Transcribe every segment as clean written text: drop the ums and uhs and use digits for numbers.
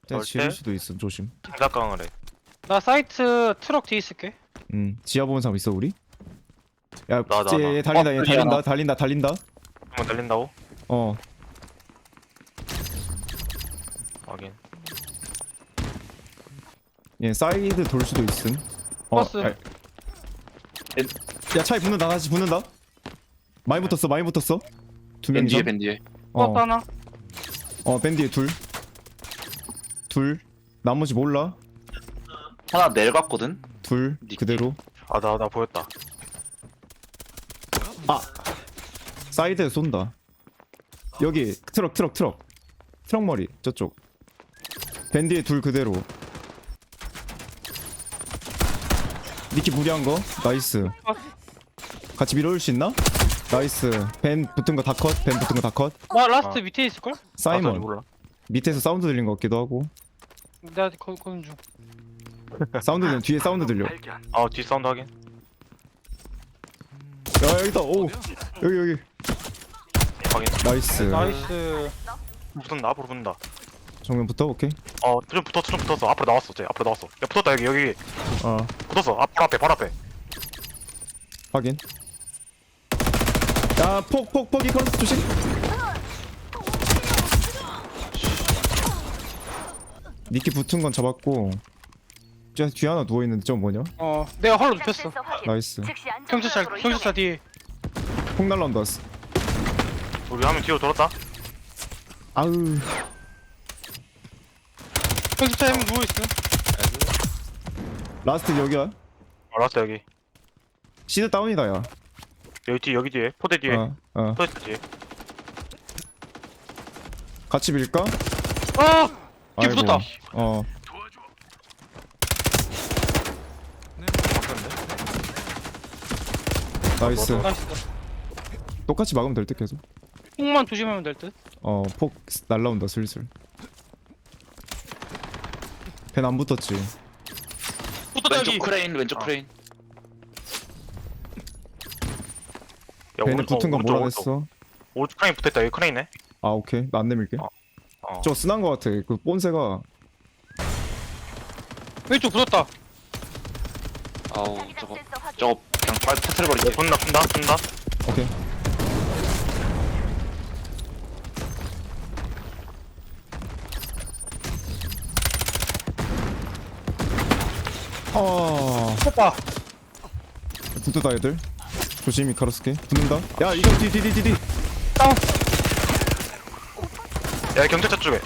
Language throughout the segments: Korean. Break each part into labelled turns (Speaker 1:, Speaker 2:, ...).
Speaker 1: 진짜 지를 수도 있어. 조심.
Speaker 2: 장작강을 해.
Speaker 3: 나 사이트 트럭 뒤에 있을게.
Speaker 1: 지하 보는 사람 있어 우리? 야,
Speaker 2: 나.
Speaker 1: 얘 달린다. 얘
Speaker 4: 어,
Speaker 1: 달린다.
Speaker 2: 한번 달린다고?
Speaker 1: 어.
Speaker 2: 확인.
Speaker 1: 얘 사이드 돌 수도 있음.
Speaker 3: 버스.
Speaker 1: 야, 차에 붙는다. 다시 붙는다. 많이 붙었어. 두 명
Speaker 4: 밴디에
Speaker 1: 이상.
Speaker 4: 밴디에.
Speaker 3: 버스 하나.
Speaker 1: 밴디에 둘. 나머지 몰라.
Speaker 4: 하나 내려갔거든.
Speaker 1: 둘 그대로.
Speaker 2: 나 보였다.
Speaker 1: 사이드에 쏜다. 여기 트럭 머리 저쪽. 밴디에 둘 그대로. 니키 무리한 거 나이스. 같이 밀어올 수 있나? 나이스. 밴 붙은 거 다 컷.
Speaker 3: 나 라스트 밑에 있을걸?
Speaker 1: 사이먼
Speaker 2: 몰라.
Speaker 1: 밑에서 사운드 들린 것 같기도 하고.
Speaker 3: 내가 거는 중.
Speaker 1: 뒤에 사운드 들려.
Speaker 2: 뒤 사운드 확인.
Speaker 1: 야, 여기다. 오, 여기.
Speaker 2: 확인.
Speaker 1: 나이스.
Speaker 3: 나이스.
Speaker 2: 붙는다. 앞으로 붙는다.
Speaker 1: 정면부터 오케이.
Speaker 2: 좀 붙었어. 앞으로 나왔어. 앞으로 나왔어. 야, 붙었다. 여기. 붙었어. 바로 앞에.
Speaker 1: 확인. 야, 폭이 크로스 조심. 니키 붙은 건 잡았고. 뒤에 하나 누워 있는데 저 뭐냐?
Speaker 3: 내가 헐로 눕혔어.
Speaker 1: 나이스.
Speaker 3: 경찰차 뒤에.
Speaker 1: 폭 날라온다.
Speaker 2: 우리 한 명 뒤로 돌았다.
Speaker 1: 아우.
Speaker 3: 경찰차에 한 명 누워있어.
Speaker 1: 라스트 여기야.
Speaker 2: 라스트 여기.
Speaker 1: 시드 다운이다 야.
Speaker 2: 여기 뒤에. 포대 뒤에. 포대 뒤에.
Speaker 1: 같이 밀까?
Speaker 3: 뒤에
Speaker 1: 아이고.
Speaker 3: 붙었다.
Speaker 1: 나이스.
Speaker 3: 나이스.
Speaker 1: 똑같이 막으면 될 듯 계속.
Speaker 3: 폭만 조심하면 될 듯.
Speaker 1: 폭 날라온다 슬슬. 벤 안 붙었지.
Speaker 3: 붙었다 여기.
Speaker 4: 왼쪽 크레인.
Speaker 1: 벤에 붙은 건 몰아냈어.
Speaker 2: 오른쪽 크레인 붙었다. 여기 크레인네.
Speaker 1: 아 오케이. 나 안 내밀게. 저 쓰난 거 같아. 그 본새가.
Speaker 3: 왼쪽 붙었다.
Speaker 4: 아우 저거 그냥 빨리 터트려버리지.
Speaker 2: 붙는다.
Speaker 1: 오케이.
Speaker 3: 오빠.
Speaker 1: 붙었다 애들. 조심히 가로스케. 붙는다. 야 이거 뒤.
Speaker 3: 다운.
Speaker 2: 야, 경찰차 쪽에.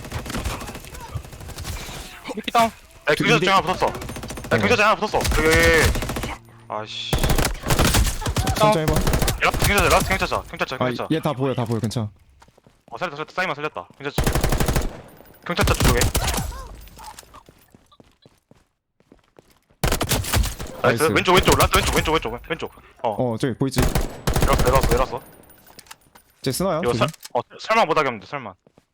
Speaker 3: 미끼 다운.
Speaker 2: 야, 경찰차 쪽에 하나 붙었어. 야, 경찰차 하나 붙었어. 여기. 아씨.
Speaker 1: 천천히 해봐.
Speaker 2: 라스트 경찰차.
Speaker 1: 얘 다 보여 괜찮아.
Speaker 2: 살렸다. 사이만 살렸다. 경찰차 쪽에. 나이스.
Speaker 1: 나이스.
Speaker 2: 왼쪽. 라스트 왼쪽.
Speaker 1: 저기 보이지?
Speaker 2: 내려왔어.
Speaker 1: 쟤 스나야?
Speaker 2: 이거
Speaker 1: 조심.
Speaker 2: 설마 못 하겠는데, 설마.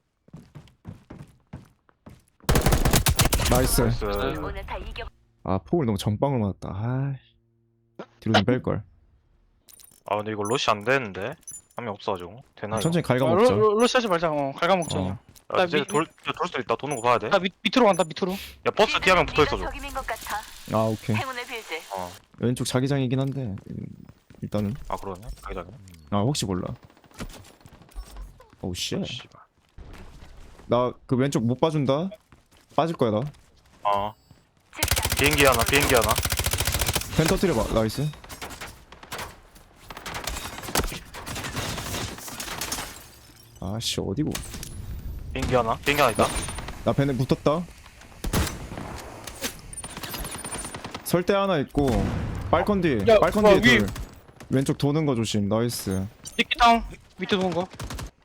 Speaker 1: 나이스.
Speaker 2: 나이스.
Speaker 1: 폭을 너무 정방울 맞았다. 뒤로 좀 뺄걸.
Speaker 2: 근데 이거 로시 안 되는데? 한 명 없어가지고. 되나?
Speaker 1: 천천히 갉아먹자.
Speaker 3: 로시하지 말자. 갈가먹자.
Speaker 1: 어.
Speaker 2: 야, 이제 돌 수도 있다. 도는 거 봐야 돼.
Speaker 3: 나 밑으로 간다. 밑으로.
Speaker 2: 야, 버스 뒤에 한 명 붙어있어, 줘.
Speaker 1: 오케이. 왼쪽 자기장이긴 한데 일단은.
Speaker 2: 그러네. 자기장이.
Speaker 1: 혹시 몰라. 오우 쉣.
Speaker 2: 씨발.
Speaker 1: 나 그 왼쪽 못 봐준다. 빠질 거야 나.
Speaker 2: 비행기 하나.
Speaker 1: 펜 터뜨려봐. 나이스. 아씨 어디고?
Speaker 2: 비행기 하나 있다.
Speaker 1: 나 펜에 붙었다. 설대 하나 있고 빨컨 뒤에.
Speaker 3: 야,
Speaker 1: 빨컨 뒤에
Speaker 3: 위에.
Speaker 1: 둘. 왼쪽 도는 거 조심. 나이스.
Speaker 3: 미끼 다운. 밑에 도는 거.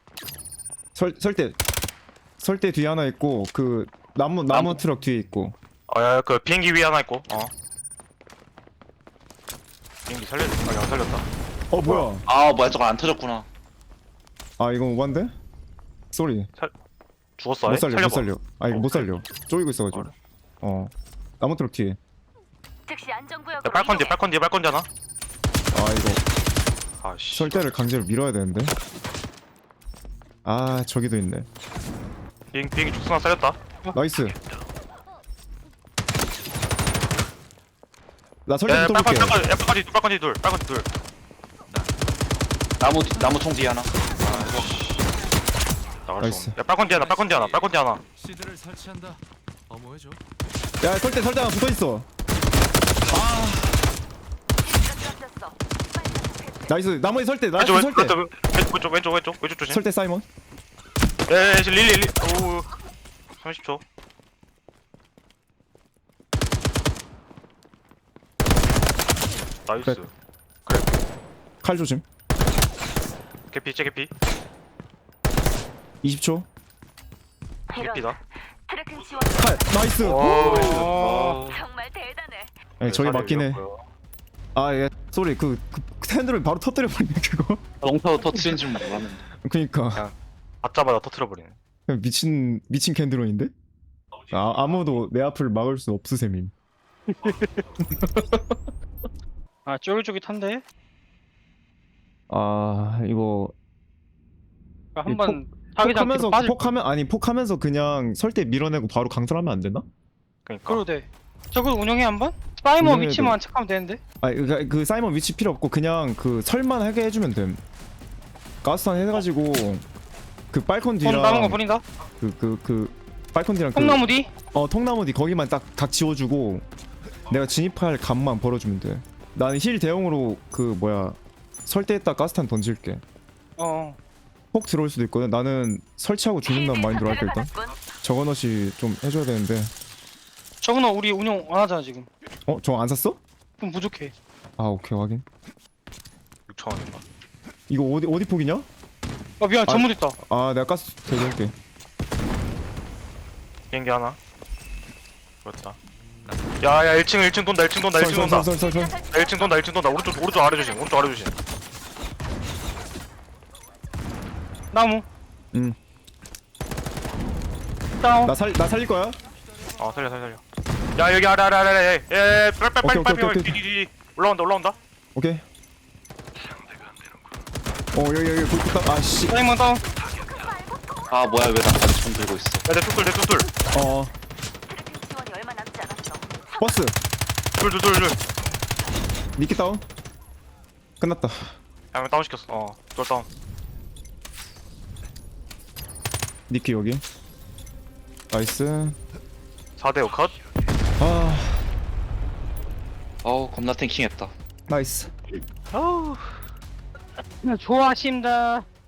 Speaker 1: 설대 뒤에 하나 있고 그 나무 트럭 뒤에 있고.
Speaker 2: 야, 그 비행기 위에 하나 있고. 비행기 안 살렸다.
Speaker 1: 뭐야?
Speaker 4: 뭐야 저거 안 터졌구나.
Speaker 1: 이거 오반데? 쏘리.
Speaker 2: 죽었어.
Speaker 1: 못 살려.
Speaker 2: 살려봐.
Speaker 1: 이거 못 살려. 쪼이고 있어가지고. 나무 트럭 뒤에.
Speaker 2: 야, 빨컨 뒤에 하나.
Speaker 1: 이거
Speaker 2: 아씨.
Speaker 1: 설대를 강제로 밀어야 되는데. 저기도 있네.
Speaker 2: 비행기 죽순 하나 살렸다.
Speaker 1: 나이스. 나
Speaker 2: 야,
Speaker 1: 설대 붙어볼게.
Speaker 2: 빨간지 둘.
Speaker 4: 나무 총 뒤에 하나.
Speaker 2: 나갈
Speaker 1: 나이스.
Speaker 2: 수 없네. 야, 빨간지 하나.
Speaker 5: 시드를 설치한다. 어머해줘.
Speaker 1: 야 설대 하나 붙어있어. 나이스. 나머지 설대. 나이스 설대.
Speaker 2: 왼쪽 조심.
Speaker 1: 설대 사이먼.
Speaker 2: 야, 릴리. 오, 30초. 나이스.
Speaker 1: 그래. 칼 조심.
Speaker 2: 개피.
Speaker 1: 20초.
Speaker 2: 개피다.
Speaker 6: 트래킹 지원
Speaker 1: 칼. 나이스.
Speaker 3: 어.
Speaker 6: 정말 대단해.
Speaker 1: 네, 저기 맞긴 해. 아, 예. 쏘리. 그 핸들을 바로 터뜨려 버리네 그거.
Speaker 4: 롱타워 터치인 줄 몰랐는데.
Speaker 1: 그니까
Speaker 2: 받자마자 터트려버리네.
Speaker 1: 그냥 미친 캔드론인데? 아무도 내 앞을 막을 수 없으셈임.
Speaker 3: 아 쫄깃쫄깃한데?
Speaker 1: 아, 이거
Speaker 3: 한번 자기장 뒤로
Speaker 1: 폭하면서
Speaker 3: 빠질
Speaker 1: 폭하면서 그냥 설대 밀어내고 바로 강탈하면 안 되나?
Speaker 2: 그러니까.
Speaker 3: 그러도 돼. 저걸 운영해 한번? 사이먼
Speaker 1: 운영해도
Speaker 3: 위치만 체크하면 되는데?
Speaker 1: 아, 그 사이먼 위치 필요 없고 그냥 그 설만 하게 해주면 됨. 가스탄 해가지고 그 빨콘
Speaker 3: 돈 남은 거
Speaker 1: 뒤랑
Speaker 3: 버린다?
Speaker 1: 그 빨콘 뒤랑
Speaker 3: 콩나무 뒤?
Speaker 1: 통나무 뒤 거기만 딱 각 지워주고 내가 진입할 감만 벌어주면 돼. 나는 힐 대용으로 그 뭐야 설대에다 가스탄 던질게.
Speaker 3: 어.
Speaker 1: 폭 들어올 수도 있거든. 나는 설치하고 죽는다는 마인드로 할게 일단. 저거넛이 좀 해줘야 되는데.
Speaker 3: 저거는 우리 운영 안 하잖아 지금.
Speaker 1: 저거 안 샀어?
Speaker 3: 좀 부족해.
Speaker 1: 아 오케이 확인.
Speaker 2: 6,000원인가?
Speaker 1: 이거 어디 폭이냐?
Speaker 3: 아 미안 잘못했다.
Speaker 1: 아 내가 가스 대줄게.
Speaker 2: 비행기 하나. 그렇다. 야, 1층 돈다. 1층 돈다.
Speaker 1: 설설.
Speaker 2: 1층 돈다. 오른쪽 아래 조심.
Speaker 3: 나무.
Speaker 1: 응.
Speaker 3: 다운.
Speaker 1: 나 살릴 거야.
Speaker 2: 살려. 야, 여기 아래. 예,
Speaker 1: 오케이.
Speaker 2: 빨리. 뒤. 올라온다.
Speaker 1: 오케이. 여기 불붙다. 아씨.
Speaker 3: 사이먼 다운.
Speaker 4: 아 뭐야 왜 나까지 총 들고 있어.
Speaker 2: 야, 내 뚝들.
Speaker 6: 트래킹 지원이 얼마 남지 않았어.
Speaker 1: 버스.
Speaker 2: 둘.
Speaker 1: 니키 다운. 끝났다.
Speaker 2: 야, 다운 시켰어. 둘 다운.
Speaker 1: 니키 여기. 나이스.
Speaker 2: 4대5 컷.
Speaker 1: 아
Speaker 4: 어우 겁나 탱킹했다.
Speaker 1: 나이스.
Speaker 3: 좋아하신다.